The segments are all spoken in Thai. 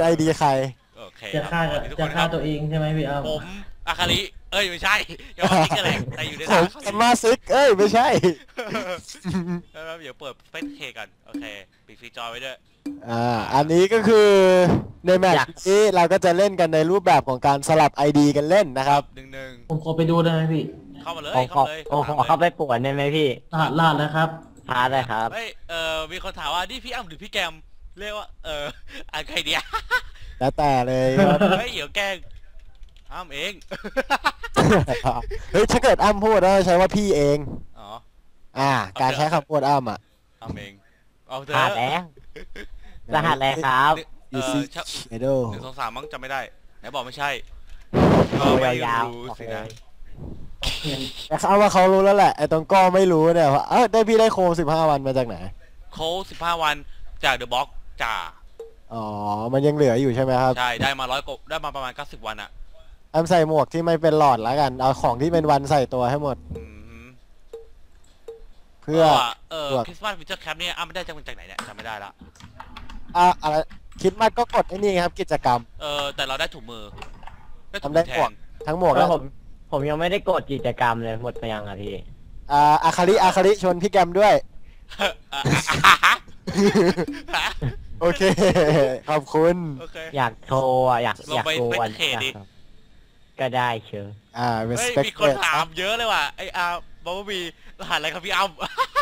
ไอดีใครโอเคจะฆ่าตัวเองใช่ไหมพี่อ้ำผมอาคาริไม่ใช่อย่ามาซิกกันแหละแต่อยู่ในผมสมาซิกไม่ใช่แล้วเดี๋ยวเปิดเฟซเคกันโอเคปิดฟรีจอยไว้ด้วยอันนี้ก็คือในแมตช์นี้เราก็จะเล่นกันในรูปแบบของการสลับ ID กันเล่นนะครับ 1-1 ผมขอไปดูได้ไหมพี่เข้ามาเลยโอ้ขอเข้าไปป่วนได้ไหมพี่ลาดแล้วครับพาได้ครับมีคนถามว่านี่พี่อ้ำหรือพี่แกมเรียกว่าอะไรเดียแล้วแต่เลยเดี๋ยวแกล้งอ้ำเองเฮ้ยถ้าเกิดอ้ำพูดแล้วใช้ว่าพี่เองการใช้คำพูดอ้ำอ้ำเองเอาเถอะแล้วรหัสอะไรครับ 1 2 3มั้งจำไม่ได้ไหนบอกไม่ใช่ยาวสินะแต่เขาว่าเขารู้แล้วแหละไอ้ตรงก็ไม่รู้เนี่ยว่าได้พี่ได้โค15 วันมาจากไหนโค้15 วันจากเดอะบ็อกจ่ามันยังเหลืออยู่ใช่ไหมครับใช่ได้มา100 กบได้มาประมาณ90 วันอ้ำใส่หมวกที่ไม่เป็นหลอดแล้วกันเอาของที่เป็นวันใส่ตัวให้หมดเพื่อคริสต์มาสฟิวเจอร์แคมป์นี่อ้ำไม่ได้จากไหนเนี่ยจำไม่ได้ละอะไรคิดมากก็กดไอ้นี่ครับกิจกรรมแต่เราได้ถุงมือทำได้หมวกทั้งหมวกแล้วผมยังไม่ได้กดกิจกรรมเลยหมดไปยังพี่อาคาริชนพี่แกมด้วยโอเคขอบคุณอยากโทรอยากโทรก็ได้เชิญมีคนถามเยอะเลยว่ะไอ้บอกว่ามีรหัสอะไรครับพี่อ้ำ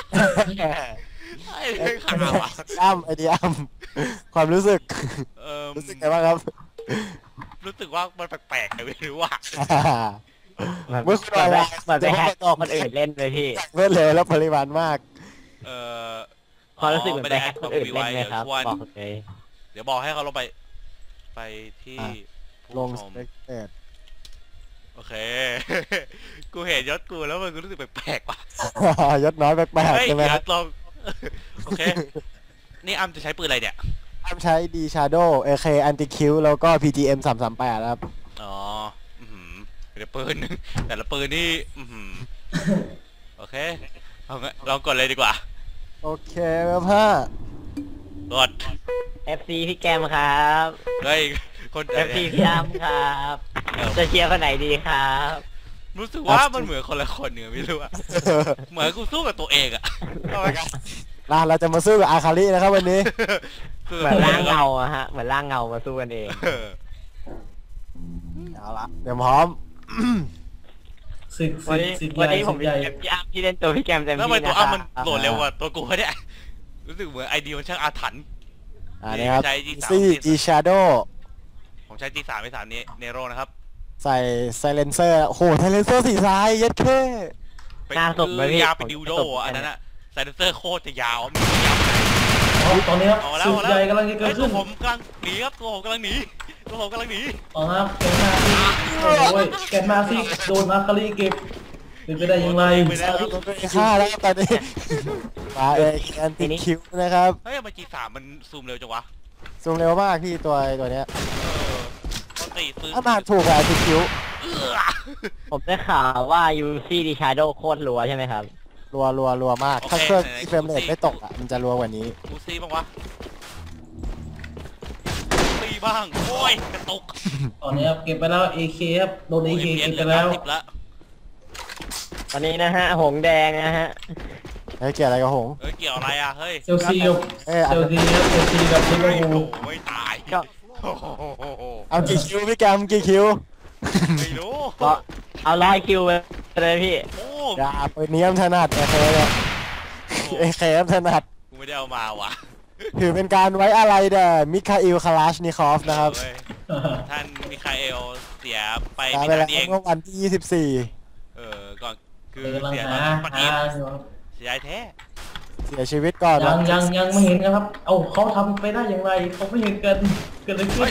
ไอเดียความรู้สึกไงบ้างครับรู้สึกว่ามันแปลกๆไม่รู้ว่าเมื่อคุณไปแฮกคนอื่นเล่นเลยพี่เมื่อเลยแล้วปริมาณมากความรู้สึกเหมือนไปแฮกคนอื่นเล่นเลยครับบอกเลยเดี๋ยวบอกให้เขาลงไปที่ลงสเปกเตอร์โอเคกูเห็นยศกูแล้วมันรู้สึกแปลกๆว่ะยศน้อยแปลกๆใช่ไหมครับลองโอเคนี่อ้ำจะใช้ปืนอะไรเนี่ยอ้ำใช้ดีชาโดว์AK Anti Q แล้วก็ PGM 338ครับเดี๋ยวปืนแต่ละปืนนี่โอเคลองกดเลยดีกว่าโอเคครับพ่กด FC พี่แกมครับคน FC พี่อ้ำครับจะเชียร์คนไหนดีครับรู้สึกว่ามันเหมือนคนละคนเนี่ยไม่รู้อะเหมือนกูสู้กับตัวเองอะเราจะมาสู้กับอาคารินะครับวันนี้เหมือนร่างเงาฮะเหมือนร่างเงามาสู้กันเองเอาละเดี๋ยวพร้อมวันนี้ผมพี่อ้ำที่เล่นตัวพี่แกมเต็มที่นะครับแล้วทำไมตัวอ้ำมันโหลดเร็วกว่าตัวกูเนี่ยรู้สึกเหมือนไอเดียมันช่างอาถรรพ์นะครับG Shadow ผมใช้ G3 ไป3นี้เนโรนะครับใส่ไซเลนเซอร์โอ้โหไซเลนเซอร์สีซ้ายยัดแค่หน้าศพเลยยาวเป็นดิวโดอันนั้นอะไซเลนเซอร์โคตรจะยาวตอนนี้ครับสุดใหญ่กำลังจะเกิดขึ้นผมกำลังหนีครับตัวผมกำลังหนีครับแกนมาซิโดนอาคาริเก็บเป็นไปได้ยังไงฆ่าแล้วตอนนี้มาแอนติคิวนะครับมาG3มันซูมเร็วจังวะซูมเร็วมากพี่ตัวเนี้ยถ้ามาถูกอะติคิวผมได้ข่าวว่ายูซี่ดีชาโดโคตรรัวใช่ไหมครับรัวมากถ้าเครื่องเฟรมเรทไม่ตกมันจะรัวกว่านี้กูซีบ้างวะตีบ้างโอ้ยกระตุกตอนนี้เก็บไปแล้ว AK ครับโดน AK เก็บไปแล้วตอนนี้นะฮะหงแดงนะฮะเกี่ยวอะไรกับหงเกี่ยวอะไรอะเฮ้ยเซลซีครับเซลซีกับลิเวอร์พูลไม่ตายเอากี่คิวพี่แกมกี่คิวไม่รู้เอา100 คิวเลยพี่อย่าเปิดเนี้ยมถนัดAKเนี่ยAKถนัดกูไม่ได้เอามาวะถือเป็นการไว้อะไรเด้อมิคาอิลคาลาชนิคอฟนะครับท่านมิคาเอลเสียไปไม่นานเองเมื่อวันที่ 24ก่อนคือเสียตอนปัดอิมเสียแท้เสียชีวิตก่อนยังไม่เห็นนะครับเอาเขาทำไปได้อย่างไรเขาไม่เห็นเกิดอะไรขึ้น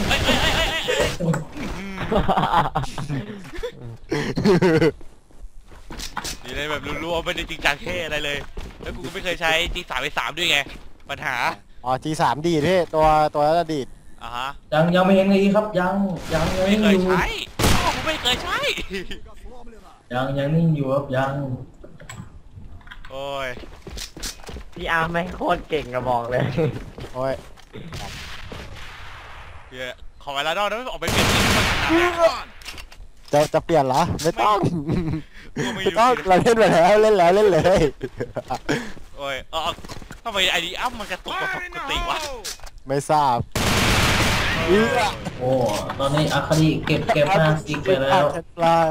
นี่เลยแบบรัวๆไม่ได้จริงจังแค่อะไรเลยแล้วกูก็ไม่เคยใช้ G3 ไป3ด้วยไงปัญหา G3 ดีที่ตัวนั้นดีดฮะยังไม่เห็นเลยครับยังไม่เคยใช้กูไม่เคยใช้ยังนิ่งอยู่ครับยังโอ้ยพี่อาร์มไม่โคตรเก่งกระบอกเลยโอ้ยเหี้ยขอเวลาดอนนะไม่ออกไปเปลี่ยนปืนมันจะเปลี่ยนเหรอไม่ต้องกูไม่ไม่อยู่ต้องเราเล่นมาแล้วเล่นแล้วเล่นเลยโอ้ยทำไมไอ้ดีอัพมันกระตุกกว่าปกติวะไม่ทราบโอ้ตอนนี้อาคาริเก็บมาซิกไปแล้วลาย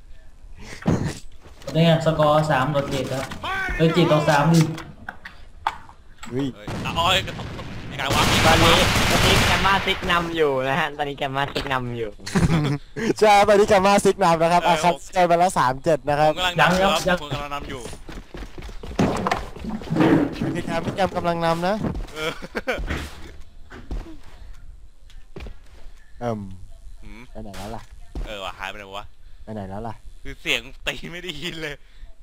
ตอนนี้สกอร์3-7ครับเฮ้ย7-3ดิเฮ้ยเอ้ยอ้อยกระตุกยังไงวะตอนนี้แกมมาซิกนำอยู่นะฮะตอนนี้แกมมาซิกนำอยู่ใช่ตอนนี้กามาซิกนำนะครับอาคัตใจไปแล้ว3-7นะคผรับมกำลังนำอยู่ครับผมกำลังนำอยู่พี่แกมกำลังนำนะเอออืมหืมไปไหนแล้วล่ะว่ะหายไปไหนวะไปไหนแล้วล่ะคือเสียงตีไม่ได้ยินเลย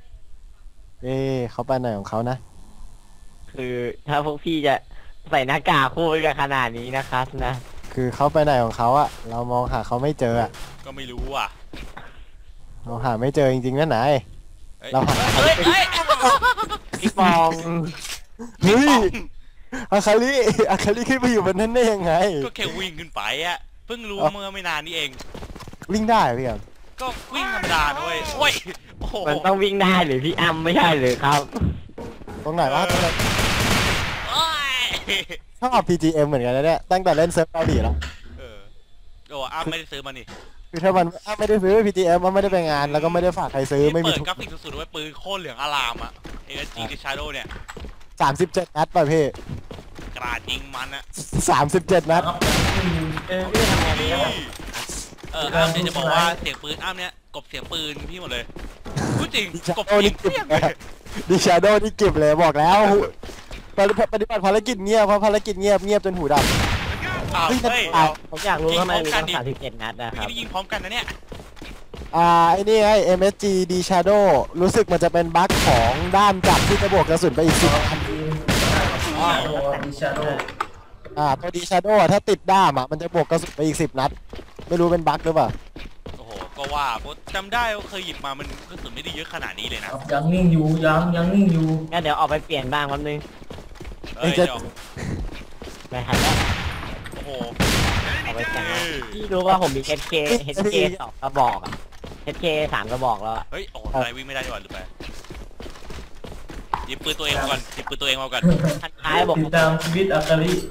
เขาไปไหนของเขานะคือถ้าพวกพี่จะใส่หน้ากากคู่กันขนาดนี้นะครับนะคือเขาไปไหนของเขาอะเรามองหาเขาไม่เจออะก็ไม่รู้อ่ะเราหาไม่เจอจริงๆนะไหนเฮ้ยเราหาเฮ้ยพี่ปองเฮ้ยอาคาริขึ้นไปอยู่บนนั้นได้ยังไงก็แค่วิ่งขึ้นไปอ่ะเพิ่งรู้เมื่อไม่นานนี้เองวิ่งได้พี่แกมก็วิ่งธรรมดาด้วยโอ้ยโอ้โหมันต้องวิ่งได้หรือพี่อ้ำไม่ใช่หรือครับตรงไหนวะตรงไหนโอ้ยชอบ PGM เหมือนกันนะเนี่ยตั้งแต่เล่นเซิร์ฟเกาหลีแล้วโอ้อ้าวไม่ได้ซื้อมานี่คือถ้ามันไม่ได้ซื้อ PGM มันไม่ได้ไปงานแล้วก็ไม่ได้ฝากใครซื้อไม่มีเปิดทุกกราฟิกสุดๆไว้ปืนโคตรเหลืองอลามอ่ะASG The Shadow เนี่ย 37 นัดป่ะพี่กราดยิงมันอะ 37 นัดพี่ทำงานนี้ครับอ้ามเนี่ยจะบอกว่าเสียงปืนอ้ามเนี่ยกบเสียงปืนพี่หมดเลยพูดจริงดิชากบโดเสียนี่งเก็เพี้ยบงเลยดิชาโดนี่เก็บเลยบอกแล้วปฏิบัติภารกิจเงียบเพราะภารกิจเงียบจนหูดับอ้าวเฮ้ยเฮ้ยอ้าวผมอยากรู้ทำไมมีตั้ง37 นัดนะคเมื่อรับกี้ได้ยิงพร้อมกันนะเนี่ยไอ้นี่ไง MSG D Shadow รู้สึกมันจะเป็นบั๊กของด้ามจับที่จะบวกกระสุนไปอีก10อันตัวดิชาโดตัว D Shadow ถ้าติดด้ามมันจะบวกกระสุนไปอีก10 นัด ไม่รู้เป็นบั๊กหรือเปล่าโอ้โหก็ว่าเพราะจำได้ว่าเคยหยิบมามันกระสุนไม่ได้เยอะขนาดนี้เลยนะยังนิ่งอยู่ยังนิ่งอยู่งั้นเดี๋ยวออกไปเปลี่ยนบ้างแป๊บนึงเอ้ยจะเดี๋ยวไปหันแล้วโอ้โหออกไปแต่งแล้วพี่รู้ว่าผมมี HK 2 กระบอกอะ HK 3 กระบอกแล้วอะเฮ้ยโอ้โหอะไรวิ่งไม่ได้ดีกว่าหรือเปล่าหยิบปืนตัวเองมาก่อนหยิบปืนตัวเองมาก่อนทันท้ายบอกติดตามชีวิตอาคาริ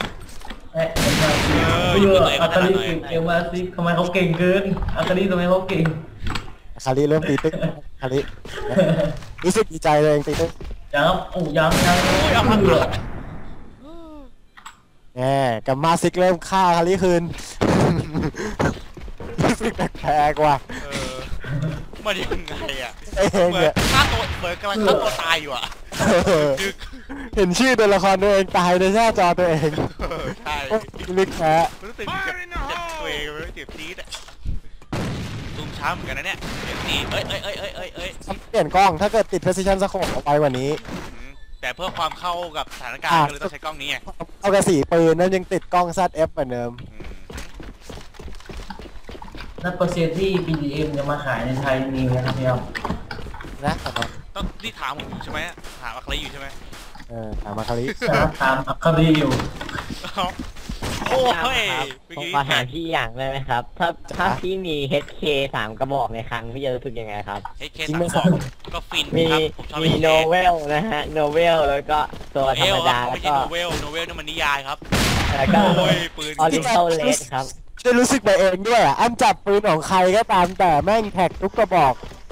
อาคาริเกมมาซิกทำไมเขาเก่งเกินอาคาริทำไมเขาเก่งคาริเริ่มตีตึ้งคาริรู้สึกดีใจเลยตีตึ้งยังโอ้ยังเบื่อแหมกับมาซิกเริ่มฆ่าคาริคืน รู้สึกแปลกๆว่ะมันยังไงอ่ะเองเหมือนเนี่ยฆ่าตัวเหมือนกำลังฆ่าตัวตายอยู่อ่ะ คือเห็นชื่อตัวละครตัวเองตายในหน้าจอตัวเองใช่ลึกแพ้รู้สึกเจ็บตัวเองเลยเจ็บจี๊ดอ่ะตุ้มช้าเหมือนกันนะเนี่ยเจ็บจี๊ดเอ้ยเปลี่ยนกล้องถ้าเกิดติด precision scope ออกไปกว่านี้แต่เพื่อความเข้ากับสถานการณ์ก็เลยต้องใช้กล้องนี้ไงเอากระสีปืนนั้นยังติดกล้อง ZF เหมือนเดิมนัดเปอร์เซ็นต์ที่ PDM จะมาขายในไทยมีไหมครับพี่ครับนะต้องที่ถามผมอยู่ใช่ไหมถามอะไรอยู่ใช่ไหมถามมาคาริตามอาคาริอยู่โอ้ยผมขอถามพี่อย่างได้ไหมครับ ถ้าพี่มี HK 3 กระบอกในครั้งพี่จะรู้สึกยังไงครับเฮ้ยเคสสามก็ฟินมีครับผมชอบมีเคโนเวลนะฮะโนเวลแล้วก็ตัวธรรมดาไม่แล้วใช่ก็โนเวลนี่มันนิยายครับแล้วก็โอ้ยปืนออริจิน l เลสครับจะรู้สึกไปเองด้วยอันจับปืนของใครก็ตามแต่แม่งแท็กทุกกระบอก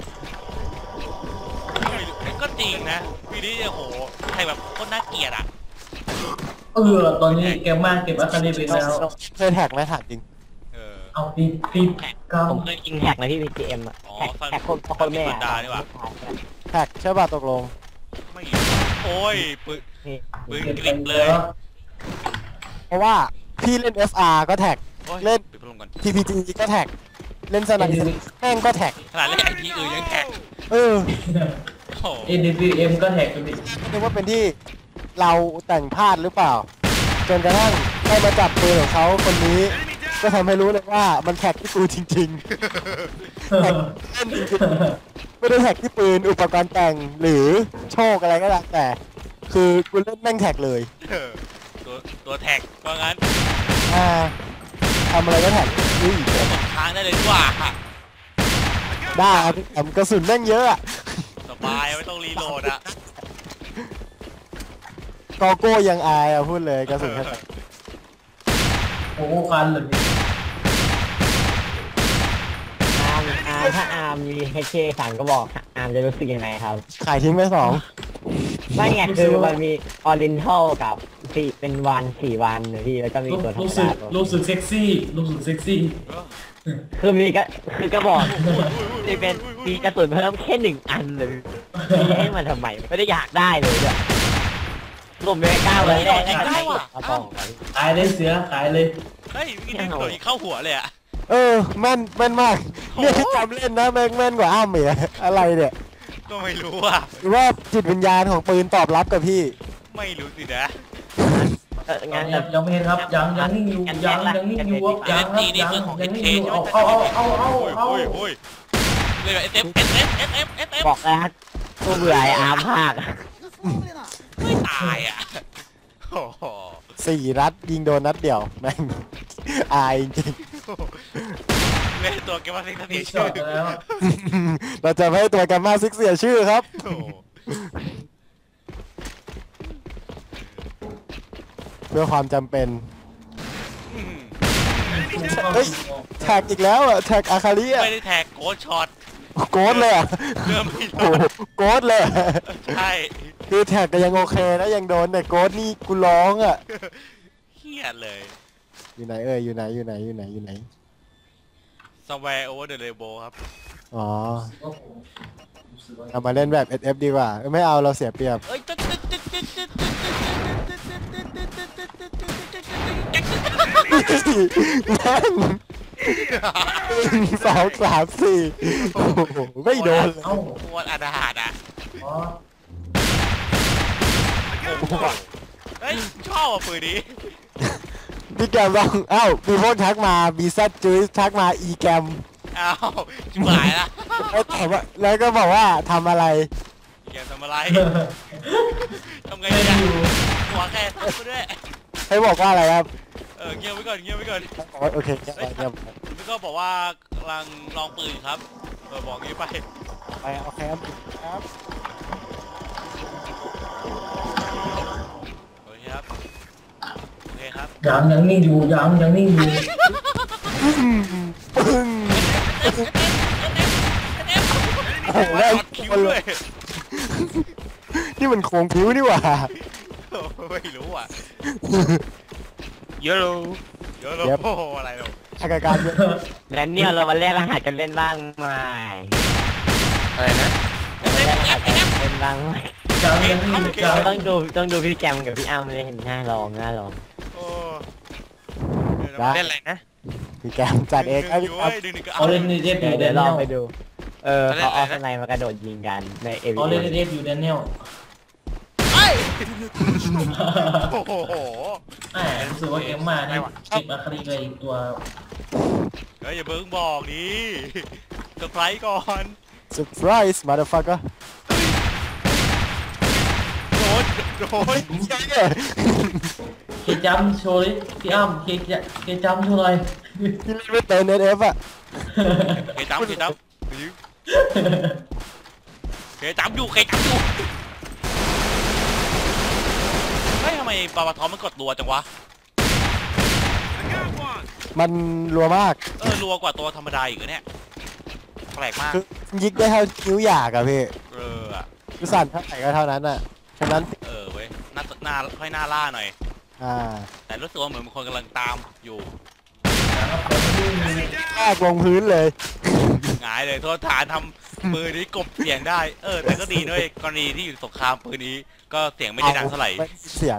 ก็จริงนะวีนี้โอ้โหใครแบบโคตรน่าเกลียดอ่ะตอนนี้เกมมากเก็บอาคาริไปแล้วเคยแท็กไหมถามจริงเอาตีเก้าผมเคยยิงแท็กนะพี่ PGM อะแท็กคนแม่แท็กใช่ป่ะตกลงไม่โอ้ยปืนนี่ปืนกริบเลยเพราะว่าพี่เล่น FR ก็แท็ก เล่นปิดพัดลมก่อน TPG ก็แท็กเล่นสไนเปอร์แม่งก็แท็กขนาดเล่นไอทีอื่นยังแท็กเออโอ้โห ADM ก็แท็กกันดิเรียกว่าเป็นที่เราแต่งพลาดหรือเปล่า จนกระทั่งได้มาจับปืนของเขาคนนี้ ก็ทำให้รู้เลยว่ามันแท็กที่กูจริงๆแท็กเล่นจริงๆไม่ได้แท็กที่ปืนอุปกรณ์แต่งหรือโชคอะไรก็แล้วแต่ คือกูเล่นแม่งแท็กเลยตัวแท็กว่างั้นอ่าทำอะไรก็แท็กอุ้ยทางได้เลยดีกว่าได้ครับพี่กระสุนแม่งเยอะอะสบายไม่ต้องรีโหลดอะกอโก้ยังอายอะพูดเลยกระสุนแค่ไหนโอ้โหคันเลยถ้าอาร์มมีเฮดเคสามกระบอกอาร์มจะรู้สึกยังไงครับขายทิ้งไป2 ไม่ไงคือมันมีออริเนทัลกับ4เป็นวัน4 วันนะพี่แล้วก็มีตัวธรรมดารู้สึกเซ็กซี่รู้สึกเซ็กซี่คือมีก็คือกระบอกที่เป็นมีกระสุนเพิ่มแค่1 อันเลยมีให้มันทำไมไม่ได้อยากได้เลยเนี่ยรวมไม่กล้าเลยได้เอาต่อขายเลยเสือขายเลยเฮ้ยมีนิดหน่อยเข้าหัวเลยอะแม่นมากเนี่ยจำเล่นนะแม่นกว่าอ้ำอีกอะไรเนี่ยก็ไม่รู้อะหรือว่าจิตวิญญาณของปืนตอบรับกับพี่ไม่รู้สินะงั้นยังไม่เห็นครับยังนิ่งอยู่ยังนิ่งอยู่ยังครับยังนิ่งอยู่เอาโอ้ยเลยแบบเอฟบอกแล้วตัวเบื่อไอ้อาร์มภาคไม่ตายอะโอ้โห 4 นัดยิงโดนนัดเดียวแม่งอายจริงเล่นตัวเกมมาซิกมีทีช็อชื่ตอแล้วเราจะไม่ให้ตัวกันมาซิกเสียชื่อครับโอ้โหเพื่อความจำเป็นอืมเฮ้ย แท็กอีกแล้วอ่ะแท็กอาคาริอ่ะไม่ได้แท็กโกดช็อตโกดเลยอ่ะเริ่มไม่โอ้รู้โหโกดเลยอะใช่คือแท็กก็ยังโอเคนะยังโดนแต่โกดนี่กูร้องอ่ะเฮียเลยอยู่ไหนอยู่ไหน Somewhere over the rainbow ครับอ๋อเอามาเล่นแบบ SF ดีกว่าไม่เอาเราเสียเปรียบเอ้ยแม่ง1 2 3 4โอ้โหไม่โดนเลยเอ้าโคตรอนาถอ่ะอ๋อเฮ้ยชอบอ่ะปืนนี้พี่แกมต้องมีพวกทักมาบีซัดจุ้ยทักมาอีแกมอ้าวชิบหายละแล้วถามว่าแล้วก็บอกว่าทำอะไรแกทำอะไรทำไงไม่เนี่ยอยู่หัวแค่ทักไปด้วยให้บอกว่าอะไรครับเงียบไว้ก่อนเงียบไว้ก่อนโอเคเงียบแล้วก็บอกว่ากำลังลองปืนครับบอกงี้ไปไปโอเคครับโอเคครับโอเคครับยังนิ่งอยู่ยังนิ่งอยู่ปึ้งโอ้โหว่าได้ช็อตคิ้วเลยนี่มันโค้งผิวนี่หว่าไม่รู้อ่ะเยอะโลโอ้อะไรหรออาการเยอะแล้วเนี่ยเรามาเล่นรหัสกันเล่นบ้างไหมอะไรนะเล่นรหัสกันเล่นบ้างไหมยังนิ่งอยู่ยังต้องดูพี่แกมกับพี่อ้ำเลยเห็นหน้าลองโอ้เล่นอะไรนะพี่แกมจัดเองครับพี่ครับเอาเล่นเด็ดอยู่แดเดี๋ยวน ลเนองลไปดูเขาเอาสไนมากระโดดยิงกันในเอวีเอาเล่นเด็ดอยู่แดนเนลโอ้โหรู้สึกว่าเอ็มมานี่เก็บอาคาริเลยอีกตัวเฮ้ยอย่าเพิ่งบอกดิเซอร์ไพรส์ก่อน surprise motherfucker โดนเคจัมโชว์เลยพี่อ้ำเคจัมโชว์หน่อยพี่เล่นไม่เป็นเน็ตเอฟอ่ะเคจัมอยู่เฮ้ยทำไมปาปาทอมมันกดรัวจังวะมันรัวมากรัวกว่าตัวธรรมดาอีกเนี่ยแปลกมากคือยิงได้เท่านิ้วหยากอะพี่อะคือสั่นเท่าไหร่ก็เท่านั้นอะฉะนั้นเว้ยหน้าค่อยหน้าล่าหน่อย แต่รู้สึกว่าเหมือนคนกำลังตามอยู่แทกลงพื้นเลยหงายเลยโทษฐานทำมือนี้กบเสียงได้แต่ก็ดีด้วยกรณีที่อยู่สงครามปืนนี้ก็เสียงไม่ได้ดังเท่าไหร่เสียง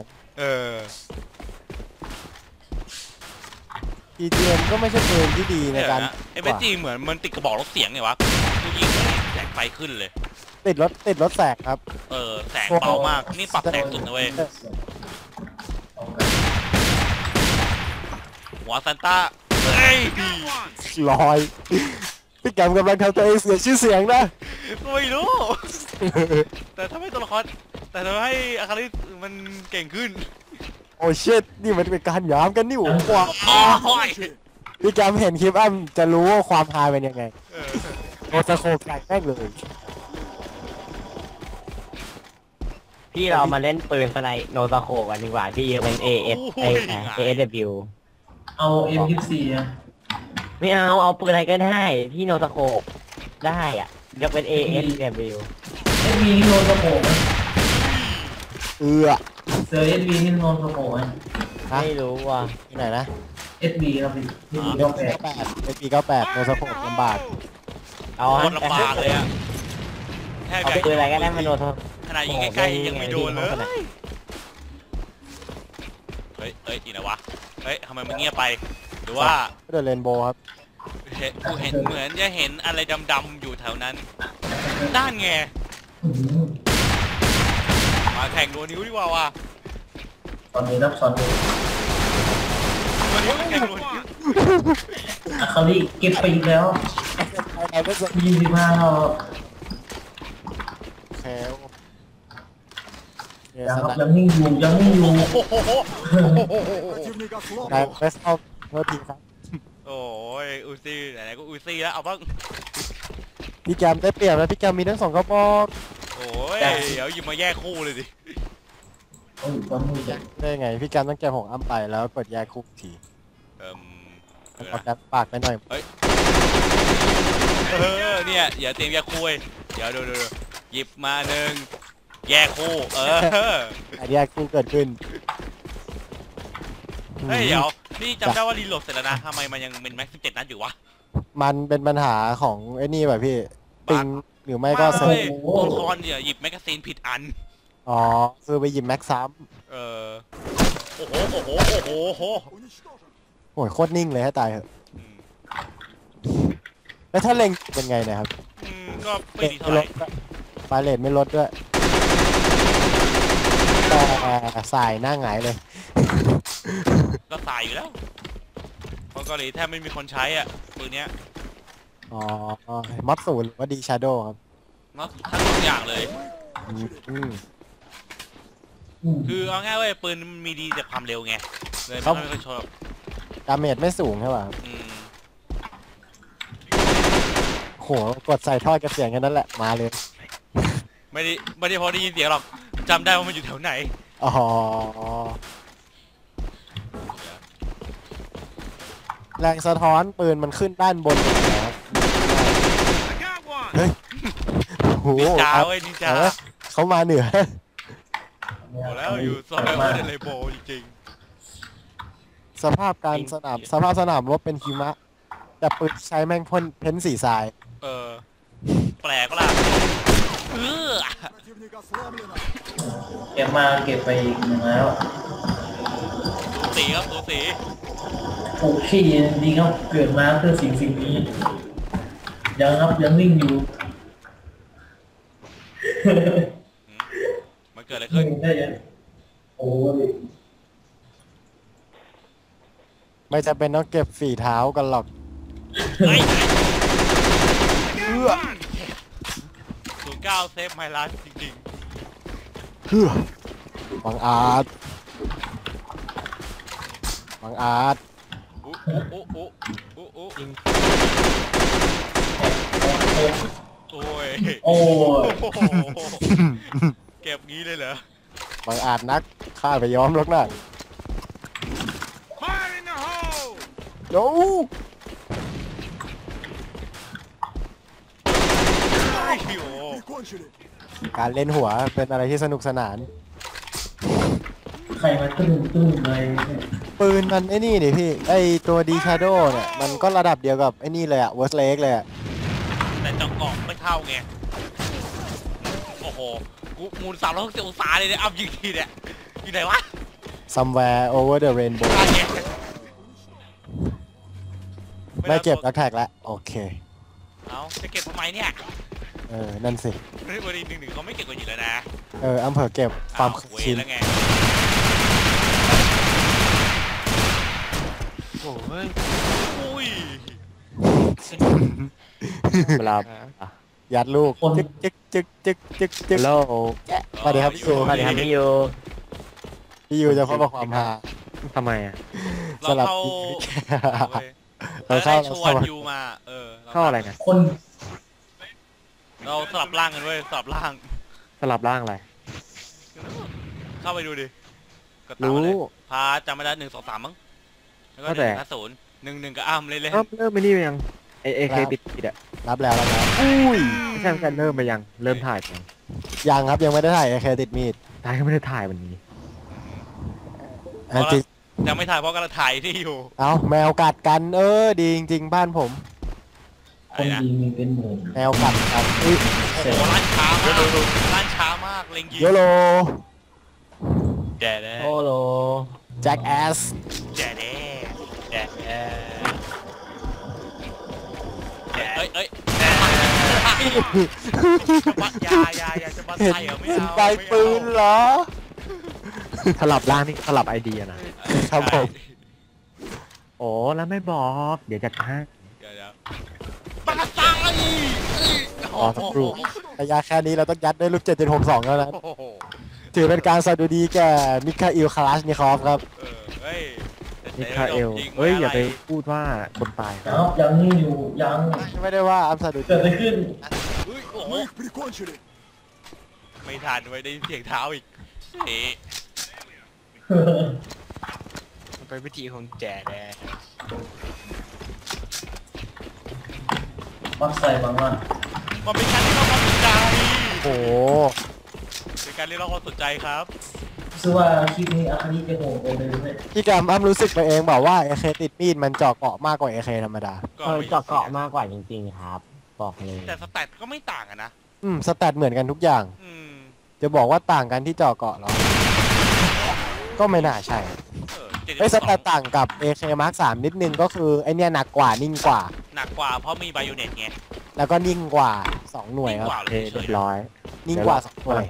EGM ก็ไม่ใช่ปืนที่ดีในการเอเวจีเหมือนมันติดกระบอกรถเสียงไงวะกูยิงแสงไฟขึ้นเลยติดรถแสกครับแสงเบามากนี่ปรับแสงสุดนะเว้ยหัวซันต้าเฮ้ยลอยพี่แกมกำลังทำตัวเองเสียชื่อเสียงนะไม่รู้ แต่ทำให้ตัวละครแต่ทำให้อาคาริมันเก่งขึ้นโอ้เชิดนี่มันเป็นการหยามกันนี่หว่าโอ้ยพี่แกมเห็นคลิปอ้ำจะรู้ว่าความฮาเป็นยังไงเออโอตะโคกใส่แม่งเลยพี่เรามาเล่นปืนสไนโนซาโคกันดีกว่าพี่เป็น AS ไอ ASW เอา M24 อ่ะไม่เอาปืนอะไรก็ได้ที่โนซาโคได้อ่ะยกเป็น ASW SV นี่โดนสะโพกนะเอือเจอ SV นี่โดนสะโพกไหมไม่รู้ว่ะที่ไหนนะ SV ครับพี่ที่ปียกแปด 98ปี98โนสโคปลำบากเอาโคตรลำบากเลยอะแค่เอาไก่ปืนอะไรก็ได้มาโนซาขนาดยิงใกล้ๆยังไม่โดนเลยเฮ้ยอีกนะวะเฮ้ยทำไมมันเงียบไปหรือว่าก็เดอะเรนโบว์ครับกูเห็นเหมือนจะเห็นอะไรดำๆอยู่แถวนั้นด้านไงอื้อหือมาแข่งโดนิ้วดีกว่าว่ะตอนนี้รับสอนดูวันนี้มาแข่งโดนิ้วอาคาริเก็บไปอีกแล้วอะไรก็จะ 25เราแคลเนี่ยยังสครับนามยังนิ่งอยู่ยังนิ่งอยู่โอ้โหได้เฟสเอาเมื่อทีครับโอ้ยอูซี่ไหนๆก็อูซี่แล้วเอาบ้างพี่แกมได้เปรียบแล้วพี่แกมมีทั้งสองกระบอกโอ้ยเดี๋ยวหยิบมาแยกคู่เลยดิโอ้ยตอนมือจะได้ไงพี่แกมต้องแกมหกอ้ำไปแล้วกดแยกคุกทีเอิ่มออกแกมปากไปหน่อยเนี่ยอย่าเตรียมแยกคู่เว้ยเดี๋ยวดูหยิบมาหนึ่งแยกคู่ไอแยกคู่เกิดขึ้นเฮ้ยเดี๋ยวนี่จำได้ว่ารีโหลดเสร็จแล้วนะทำไมมันยังเป็นแม็กซ์17นัดอยู่วะมันเป็นปัญหาของไอ้นี่แบบพี่ปิงหรือไม่ก็เซิเฮ้ร์ยฟตัวละครเนี่ยหยิบแมกกาซีนผิดอันอ๋อคือไปหยิบแม็กซ้โอ้โหำโอ้ยโคตรนิ่งเลยให้ตายเหอะอืมแล้วถ้าเล็งเป็นไงนะครับก็ไม่ดีเท่าไหร่ไฟเลทไม่ลดด้วยแต่สายหน้าหงายเลยก็ตายอยู่แล้วเพราะเกาหลีแทบไม่มีคนใช้อ่ะปืนเนี้ยอ๋อมัดศูนย์หรือว่าดีชาโดครับเนาะทั้งสองอย่างเลยอืมคือเอาง่ายเว้ยปืนมันมีดีแต่ความเร็วไงเลยไม่ค่อยชอบดาเมจไม่สูงใช่ป่ะ โหกดใส่ท่อกระเสียงแค่นั้นแหละมาเลยไม่ได้พอได้ยินเสียงหรอกจำได้ว่ามันอยู่แถวไหนอ๋อแรงสะท้อนปืนมันขึ้นด้านบนนะครับเฮ้ยโหนินจาเว้ยนินจาเขามาเหนือโอ้แล้วอยู่ซอยว่าเดลโบจริงสภาพการสนามสภาพสนามรบเป็นหิมะแต่ปืนใช้แม่งพ่นเพ้นสีทรายแปลกก็ล่ะเก็บมาเก็บไปอีกหนึ่งแล้วตัวสีครับตัวสีโอเคดีครับเกิดมาเพื่อสิ่งนี้ยังครับยังนิ่งอยู่มันเกิดอะไรขึ้นได้ยังโอ้ยไม่จะเป็นต้องเก็บฝีเท้ากันหรอก 09เซฟไมลัสจริงเฮ้อบังอาจบังอาจๆโอ้ยโอ้ยเก็บงี้เลยเหรอบังอาจนักข้าไปย้อมลกหน้าโอ้ การเล่นหัวเป็นอะไรที่สนุกสนานใครมาตึ้งเลยปืนมันไอ้นี่ดิพี่ไอตัวดีชาโดเนี่ยมันก็ระดับเดียวกับไอ้นี่เลยอะเวิร์สเลกเลยอะแต่เจาะเกาะไม่เท่าไงโอ้โหกูมูล360องศาเลยเนี่ยอัพยิงทีเนี่ยอยู่ไหนวะ somewhere over the rainbow ไม่เก็บแล้วแท็กแล้วโอเคเอาจะเก็บทำไมเนี่ยนั่นสิวันนี้1-1เขาไม่เก็บกันอยู่แล้วนะอำเภอเก็บความเวชินแล้วไงโอ้ยอุ้ยเวลายัดลูกจึ๊กจึ๊กจึ๊กจึ๊กจึ๊กจึ๊กโลสวัสดีครับพี่ยูสวัสดีครับพี่ยูพี่ยูจะพบกับความฮาทำไมอ่ะเราเข้าเราได้เข้าชวนยูมาเข้าอะไรนะคนเราสลับร่างกันเว้ยสลับร่างสลับร่างอะไรเข้าไปดูดิกดตามมาเลยรู้พาจำไม่ได้1 2 3มั้งแล้วก็ก็แต่ 1 5 0 1 1กับอ้ำเล่นเริ่มไม่นี่ไปยังเอเคติดอ่ะรับแล้วอุ้ยไม่ใช่กันเริ่มไปยังเริ่มถ่ายไปยังยังครับยังไม่ได้ถ่ายเครดิตมีดถ่ายก็ไม่ได้ถ่ายวันนี้อ่ะจริงๆยังไม่ถ่ายเพราะกำลังถ่ายที่อยู่เอาแมวกัดกันดีจริงๆบ้านผมคนนะยิงมีเป็นหมื่นแมวกัดกันอุ้ยโอ้โหร้านช้ามากร้านช้ามากเล็งยิงโยโลแด่แด่โอ้โหแจ็คแอสแด่แด่แด่แด่เอ้ยจะบัดยาจะบัดเห็นใส่เหรอไม่เห็นเอาใบปืนเหรอสลับร่างนี่สลับไอเดียนะครับผมโอ้แล้วไม่บอกเดี๋ยวจัดให้เดี๋ยวปาตายอ๋อสักครู่ระยะแค่นี้เราต้องยัดด้วยลูก7.62แล้วนะโอ้โหถือเป็นการสดุดีแก่มิคาอิลคาลาชนิคอฟครับเฮ้ยมิคาเอลเฮ้ยอย่าไปพูดว่าคนตายครับยังนี่อยู่ยังไม่ได้ว่าอัมสดุเกิดอะไรขึ้นโอ้โหไม่ทันไว้ได้เสียงเท้าอีกเอ๊ะมันเป็นวิธีของแจ๋แดมักใส่บางวันมันเป็นการที่เราความสนใจโอ้โหเป็นการที่เราความสนใจครับซื้อว่าคลิปนี้อาคาริจะโหดไปเลยไหมพี่แกมอ้ำรู้สึกไปเองบอกว่าเอเคติดมีดมันเจาะเกาะมากกว่าเอเคธรรมดาไม่เจาะเกาะมากกว่าจริงๆครับ บอกเลยแต่สแตทก็ไม่ต่างกันนะสแตทเหมือนกันทุกอย่าง จะบอกว่าต่างกันที่เจาะเกาะเหรอ ก็ไม่น่าใช่ 72 ไอ้ยสแตทต่างกับ AK Mark 3นิดนึงก็คือไอเนี้ยหนักกว่านิ่งกว่าหนักกว่าเพราะมีไบโอเน็ตไงแล้วก็นิ่งกว่า 2 หน่วยครับนิ่งกว่าโอเคเรียบร้อยนิ่งกว่า2หน่วย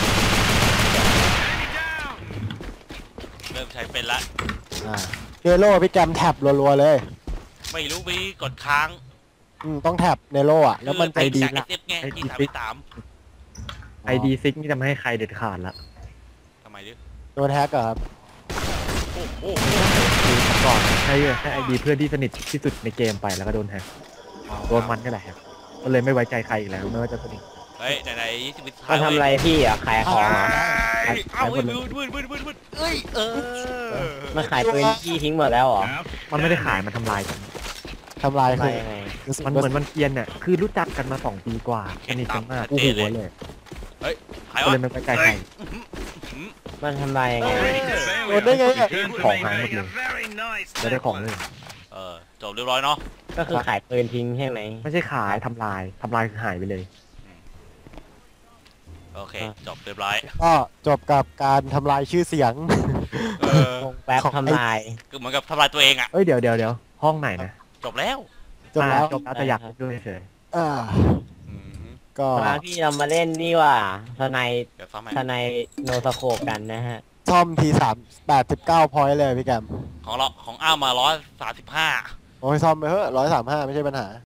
เริ่มใช้เป็นละเดโลพี่แกมแท็บรัวๆเลยไม่รู้วิกดค้างต้องแท็บเนโลอ่ะ แล้วมันใจดีจากละ SF ไงที่3 ไอดีซิกนี่จะไม่ให้ใครเด็ดขาดละทำไมดิโดนแฮกเหรอครับโอ้โหคือก่อนให้ไอดีเพื่อนที่สนิทที่สุดในเกมไปแล้วก็โดนแฮกโดนมันก็แหละแฮกก็เลยไม่ไว้ใจใครอีกแล้วไม่ว่าจะสนิทเฮ้ยไหนๆ20วิมาทำอะไรพี่อ่ะขายของเหรอเอ้าวิวเอ้ยมาขายปืนพี่ทิ้งหมดแล้วเหรอมันไม่ได้ขายมันทำลายกันทำลายทำไมคือยังไงรู้สึกมันเหว่ามือนมันเกรียนเนี่ยคือรู้จักกันมา2 ปีกว่าสนิทกันมากอู้หูเลยขายก็วะเลยไม่ไว้ใจใครมันทำลายยังไงโดนได้ไงอะของหายหมดเลยไม่ได้ของเลยจบเรียบร้อยเนาะก็คือขายปืนทิ้งใช่ไหมไม่ใช่ขายทำลายคือหายไปเลยโอเคจบเรียบร้อยก็จบกับการทำลายชื่อเสียงวงแป๊บทำลายคือเหมือนกับทำลายตัวเองอ่ะเอ้ยเดี๋ยวห้องไหนนะจบแล้วจบแล้วจบแล้วแต่อยากด้วยเฉยอ่าก็มาพี่เรามาเล่นนี่ว่าทนายเดี๋ยวซ้อมใหม่ทนายโนสโคปกันนะฮะซ่อมที89 พอยต์เลยพี่แกมของเราของอ้ามา135 โอ้ยซ่อมไปเถอะ135ไม่ใช่ปัญหา